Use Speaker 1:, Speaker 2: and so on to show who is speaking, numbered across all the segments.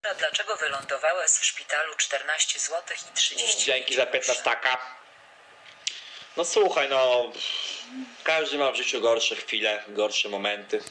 Speaker 1: A dlaczego wylądowałeś w szpitalu 14 zł i 30
Speaker 2: Dzięki za 15 taka. No słuchaj, no każdy ma w życiu gorsze chwile, gorsze momenty.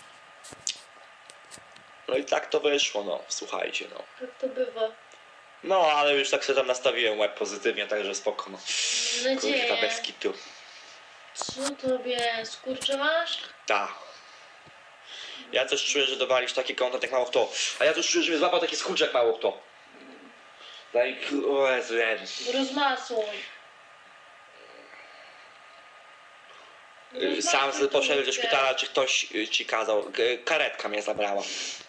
Speaker 2: No i tak to wyszło, no słuchajcie, no.
Speaker 3: Tak to bywa.
Speaker 2: No ale już tak sobie tam nastawiłem łeb pozytywnie, także spoko, no.
Speaker 3: Mam
Speaker 2: Kurwa,
Speaker 3: nadzieję.
Speaker 2: bez kitu.
Speaker 3: Co tobie skurcze masz?
Speaker 2: Ta. Ja też czuję, że dowalisz taki kontent jak mało kto. A ja też czuję, że mnie złapał taki skurcz jak mało kto. Daj, o Jezu, Jezu.
Speaker 3: Rozmasuj.
Speaker 2: Sam poszedłem do szpitala, czy ktoś ci kazał. Karetka mnie zabrała.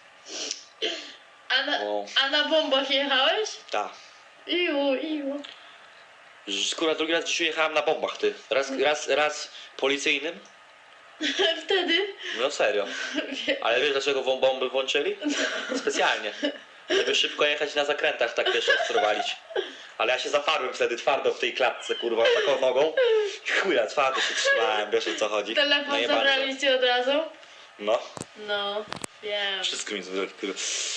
Speaker 2: O.
Speaker 3: A na bombach jechałeś?
Speaker 2: Ta.
Speaker 3: Iu.
Speaker 2: Kurwa, drugi raz w życiu jechałem na bombach, ty. Raz policyjnym.
Speaker 3: Wtedy?
Speaker 2: No serio. Ale wiesz dlaczego bomby włączyli? Specjalnie. Żeby szybko jechać na zakrętach, tak wiesz, obserwowalić. Ale ja się zaparłem wtedy twardo w tej klatce, kurwa, taką nogą. Chuja, twardo się trzymałem, wiesz o co chodzi.
Speaker 3: Telefon
Speaker 2: No nie bardzo.
Speaker 3: zabraliście od razu?
Speaker 2: No,
Speaker 3: No, wiem.
Speaker 2: wszystko mi zrobiło, kurwa.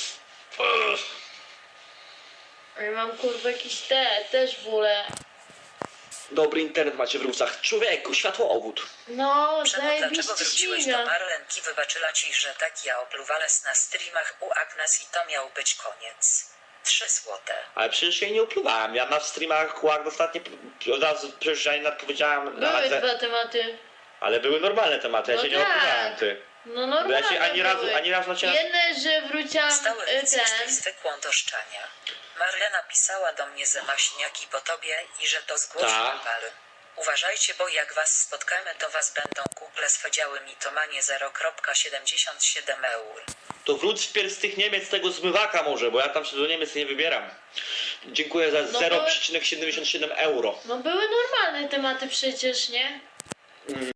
Speaker 3: Ja mam kurwa jakiś też bóle.
Speaker 2: Dobry internet macie w Rusach. Człowieku, światłowód.
Speaker 3: No,
Speaker 1: Czemu, dlaczego
Speaker 3: zajebiście
Speaker 1: wróciłeś do
Speaker 3: śmiga.
Speaker 1: Marlenki? Wybaczyła ci, że tak ja opluwales na streamach u Agnes i to miał być koniec. 3 złote.
Speaker 2: Ale przecież jej nie upluwałem. Ja na streamach kłak ostatnio od razu przecież ja nawet powiedziałem.
Speaker 3: Były dwa tematy.
Speaker 2: Ale były normalne tematy, ja
Speaker 3: No
Speaker 2: się nie
Speaker 3: tak.
Speaker 2: opluwałem, ty.
Speaker 3: No
Speaker 2: Bo ja
Speaker 3: normalnie
Speaker 2: się ani razu na ciebie...
Speaker 3: Jedne, że wróciłam
Speaker 1: Stały
Speaker 3: ten.
Speaker 1: jesteś zwykłą do szczania. Marlena pisała do mnie ze maśniaki po tobie i że to zgłosi
Speaker 2: Tak.
Speaker 1: na pal. Uważajcie, bo jak was spotkamy, to was będą kuple swędziały mi to manie 0,77 eur.
Speaker 2: To wróć wpierw z tych Niemiec, tego zmywaka może, bo ja tam się do Niemiec nie wybieram. Dziękuję za
Speaker 3: No
Speaker 2: 0,77 euro.
Speaker 3: No były normalne tematy przecież, nie?